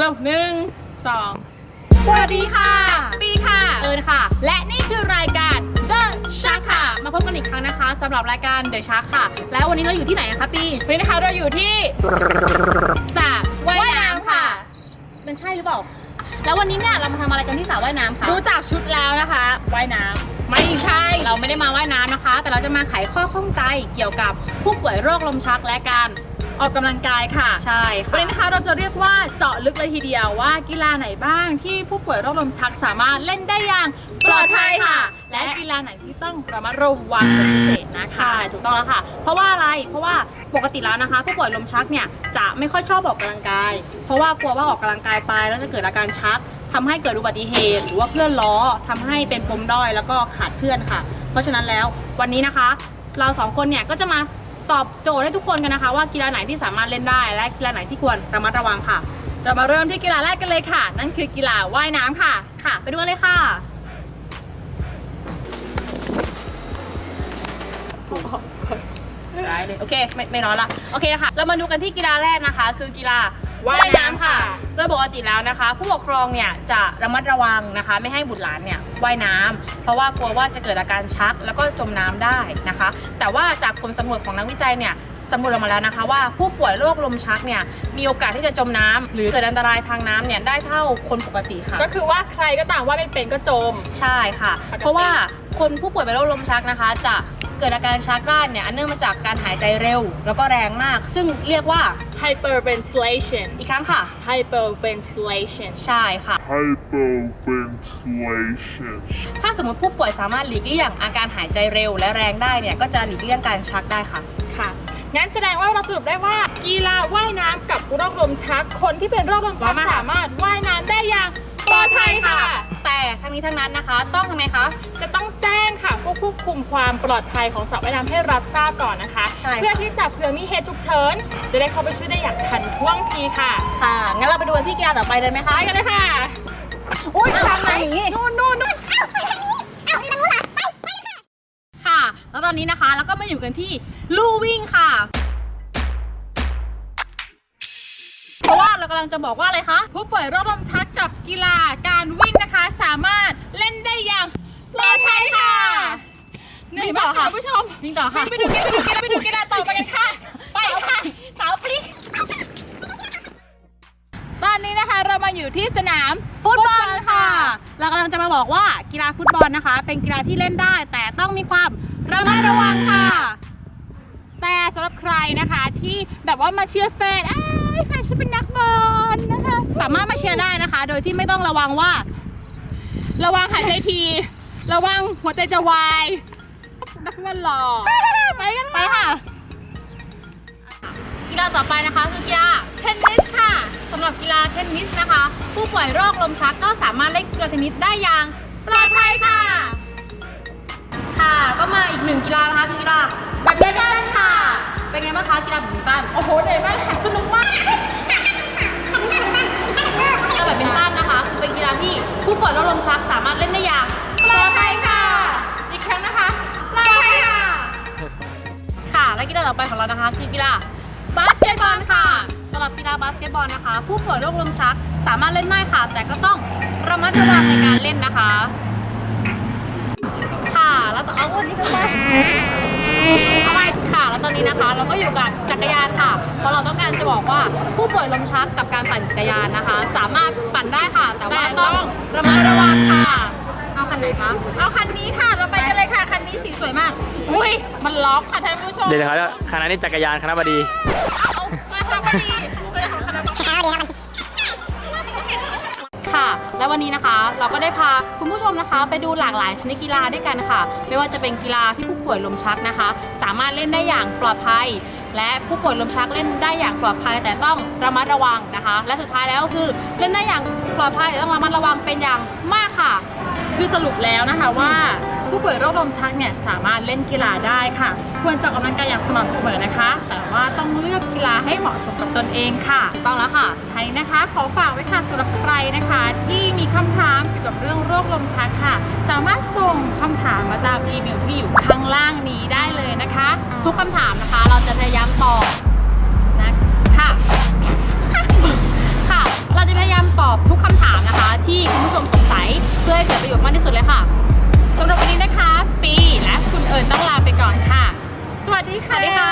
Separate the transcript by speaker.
Speaker 1: ร็ว1 2สวัสดีค่ะปีค่ะ
Speaker 2: เอิญค่ะ
Speaker 1: และนี่คือรายการ The Shark ค่ะ
Speaker 2: มาพบกันอีกครั้งนะคะสำหรับรายการ The Shark ค่ะแล้ววันนี้เราอยู่ที่ไหนคะปี
Speaker 1: วันนี้นะคะเราอยู่ที่สระว่ายน้ำค่ะ
Speaker 2: มันใช่หรือเปล่าแล้ววันนี้เนี่ยเรามาทำอะไรกันที่สระว่ายน้ำคะ
Speaker 1: ดูจากชุดแล้วนะคะว่ายน้ำไม่ใช่
Speaker 2: เราไม่ได้มาว่ายน้ำนะคะแต่เราจะมาไขข้อข้องใจเกี่ยวกับผู้ป่วยโรคลมชักและการ
Speaker 1: ออกกำลังกายค่ะ
Speaker 2: ใช่ค่ะ
Speaker 1: วันนี้นะคะเราจะเรียกว่าเจาะลึกเลยทีเดียวว่ากีฬาไหนบ้างที่ผู้ป่วยโรคลมชักสามารถเล่นได้อย่างปลอดภัยค่ะและกีฬาไหนที่ต้องระมัดระวังเป็นพิเศษนะคะ
Speaker 2: ถูกต้องแล้วค่ะเพราะว่าอะไรเพราะว่าปกติแล้วนะคะผู้ป่วยลมชักเนี่ยจะไม่ค่อยชอบออกกำลังกายเพราะว่ากลัวว่าออกกำลังกายไปแล้วจะเกิดอาการชักทำให้เกิดอุบัติเหตุหรือว่าเพื่อนล้อทำให้เป็นปมด้อยแล้วก็ขาดเพื่อนค่ะเพราะฉะนั้นแล้ววันนี้นะคะเราสองคนเนี่ยก็จะมาตอบโจทย์ให้ทุกคนกันนะคะว่ากีฬาไหนที่สามารถเล่นได้และกีฬาไหนที่ควรระมัดระวังค่ะ
Speaker 1: เรามาเริ่มที่กีฬาแรกกันเลยค่ะนั่นคือกีฬาว่ายน้ำค่ะ
Speaker 2: ไปดูกันเลยค่ะได้เลยโอเคไม่ร้อนละโอเคนะคะเรามาดูกันที่กีฬาแรกนะคะคือกีฬาว่ายน้ำค่ะโดยปกติแล้วนะคะผู้ปกครองเนี่ยจะระมัดระวังนะคะไม่ให้บุตรหลานเนี่ยว่ายน้ำเพราะว่ากลัวว่าจะเกิดอาการชักแล้วก็จมน้ำได้นะคะแต่ว่าจากผลสำรวจของนักวิจัยเนี่ยสำรวจออกมาแล้วนะคะว่าผู้ป่วยโรคลมชักเนี่ยมีโอกาสที่จะจมน้ำหรือเกิดอันตรายทางน้ำเนี่ยได้เท่าคนปกติค่ะ
Speaker 1: ก็คือว่าใครก็ตามว่าไม่เป็นก็จม
Speaker 2: ใช่ค่ะเพราะว่าคนผู้ป่วยเป็นโรคลมชักนะคะจะเกิดอาการชักได้เนี่ยเนื่องมาจากการหายใจเร็วแล้วก็แรงมากซึ่งเรียกว่า
Speaker 1: hyperventilation
Speaker 2: อีกครั้งค่ะ
Speaker 1: hyperventilation
Speaker 2: ใช่ค่ะ
Speaker 3: hyperventilation
Speaker 2: ถ้าสมมติผู้ป่วยสามารถหลีกเลี่ยงอาการหายใจเร็วและแรงได้เนี่ยก็จะหลีกเลี่ยงการชักได้ค่ะ
Speaker 1: งั้นแสดงว่าเราสรุปได้ว่ากีฬาว่ายน้ำกับโรคลมชักคนที่เป็นโรคลมชักสามารถว่ายน้ำได้อย่างปลอดภัยค่ะ
Speaker 2: แต่ทั้งนี้ทั้งนั้นนะคะต้องทำไมคะ
Speaker 1: จะต้องแจ้งค่ะผู้ควบคุมความปลอดภัยของสระว่ายน้ำให้รับทราบก่อนนะคะเพื่อที่จะเผื่อมีเหตุฉุกเฉินจะได้เข้าไปช่วยได้อย่างทันท่วงทีค่ะ
Speaker 2: งั้นเราไปดูที่กีฬาต่อไปเลยไหมคะ
Speaker 1: ไปกันเลยค่ะอุ้ยทางไหนนู่น
Speaker 2: ค่ะแล้วตอนนี้นะคะเราก็มาอยู่กันที่ลู่วิ่งค่ะเพราะว่าเรากำลังจะบอกว่าอะไรคะ
Speaker 1: ผู้ป่วยโรคลมชักกับกีฬาการวิ่งนะคะสามารถเล่นได้อย่างปลอดภัยค่ะ
Speaker 2: นี่ต่อค่ะ
Speaker 1: ผู้ชม
Speaker 2: นี่ต่อค่ะ
Speaker 1: ไปดูกีฬาต่อไปกันค่ะไปค่ะ
Speaker 2: สาวพลิก
Speaker 1: ตอนนี้นะคะเรามาอยู่ที่สนาม
Speaker 2: ฟุตบอลค่ะเรากำลังจะมาบอกว่ากีฬาฟุตบอลนะคะเป็นกีฬาที่เล่นได้แต่ต้องมีความระมัดระวังค่ะ
Speaker 1: แต่สำหรับใครนะคะที่แบบว่ามาเชียร์แฟนฉันเป็นนักบอลนะคะ
Speaker 2: สามารถมาเชียร์ได้นะคะโดยที่ไม่ต้องระวัง
Speaker 1: หายใจทีระวังหัวใจจะวายนักฟุตบอลหล่อไปกัน
Speaker 2: ไปค่ะกีฬาต่อไปนะคะคือกีฬา
Speaker 1: เทนนิสค่ะ
Speaker 2: สำหรับกีฬาเทนนิสนะคะผู้ป่วยโรคลมชักก็สามารถเล่นกีฬาเทนนิสได้อย่าง
Speaker 1: ปลอดภัยค่ะ
Speaker 2: ก็มาอีกหนึ่งกีฬานะคะคือกีฬาแบดมินตันค่ะเป็นไงบ้างคะกีฬาแบดมินตัน
Speaker 1: โอ้โหเหนื่อยมากค่ะสนุกมาก
Speaker 2: กีฬาแบดมินตันนะคะคือเป็นกีฬาที่ผู้ป่วยโรคลมชักสามารถเล่นได้อย่าง
Speaker 1: ปลอดภัยค่ะอีกครั้งนะคะปลอดภัย
Speaker 2: ค่ะและกีฬาต่อไปของเรานะคะคือกีฬาบาสเกตบอลค่ะสำหรับกีฬาบาสเกตบอลนะคะผู้ป่วยโรคลมชักสามารถเล่นได้ค่ะแต่ก็ต้องระมัดระวังในการเล่นนะคะแล้วต่อวันนี้คืออะไรค่ะแล้วตอนนี้นะคะเราก็อยู่กับจักรยานค่ะเพราะเราต้องการจะบอกว่าผู้ป่วยลมชักกับการปั่นจักรยานนะคะสามารถปั่นได้ค่ะแต่ว่าต้องระมัดระวังค่ะเอาคันไหนคะ
Speaker 1: เอาคันนี้ค่ะเราไปกันเลยค่ะคันนี้สีสวยมากอุ้ยมันล็อกค่ะท่านผู้ชม
Speaker 3: เดี๋ยวนะครับคณะนี้จักรยานคณะบดี
Speaker 1: มาคณะบดี
Speaker 2: ค่ะและวันนี้นะคะเราก็ได้พาคุณผู้ชมนะคะไปดูหลากหลายชนิดกีฬาด้วยกันค่ะไม่ว่าจะเป็นกีฬาที่ผู้ป่วยลมชักนะคะสามารถเล่นได้อย่างปลอดภัยและผู้ป่วยลมชักเล่นได้อย่างปลอดภัยแต่ต้องระมัดระวังนะคะและสุดท้ายแล้วก็คือเล่นได้อย่างปลอดภัยแต่ต้องระมัดระวังเป็นอย่างมากค่ะ
Speaker 1: คือสรุปแล้วนะคะว่าผู้ป่วยโรคลมชักเนี่ยสามารถเล่นกีฬาได้ค่ะควรจะออกกำลังกายอย่างสม่ำเสมอนะคะแต่ว่าต้องเลือกกีฬาให้เหมาะสมกับตนเองค่ะ
Speaker 2: ต้องแล้วค่ะ
Speaker 1: สุดท้ายนะคะขอฝากไว้ค่ะสำหรับใครนะคะที่มีคำถามเกี่ยวกับเรื่องโรคลมชักค่ะสามารถส่งคำถามมาตามอีเมลที่อยู่ข้างล่างนี้ได้เลยนะคะ
Speaker 2: ทุกคำถามนะคะเราจะพยายามตอบนะค่ะเราจะพยายาม
Speaker 1: ดีค่ะ
Speaker 2: สวัสดีค่ะ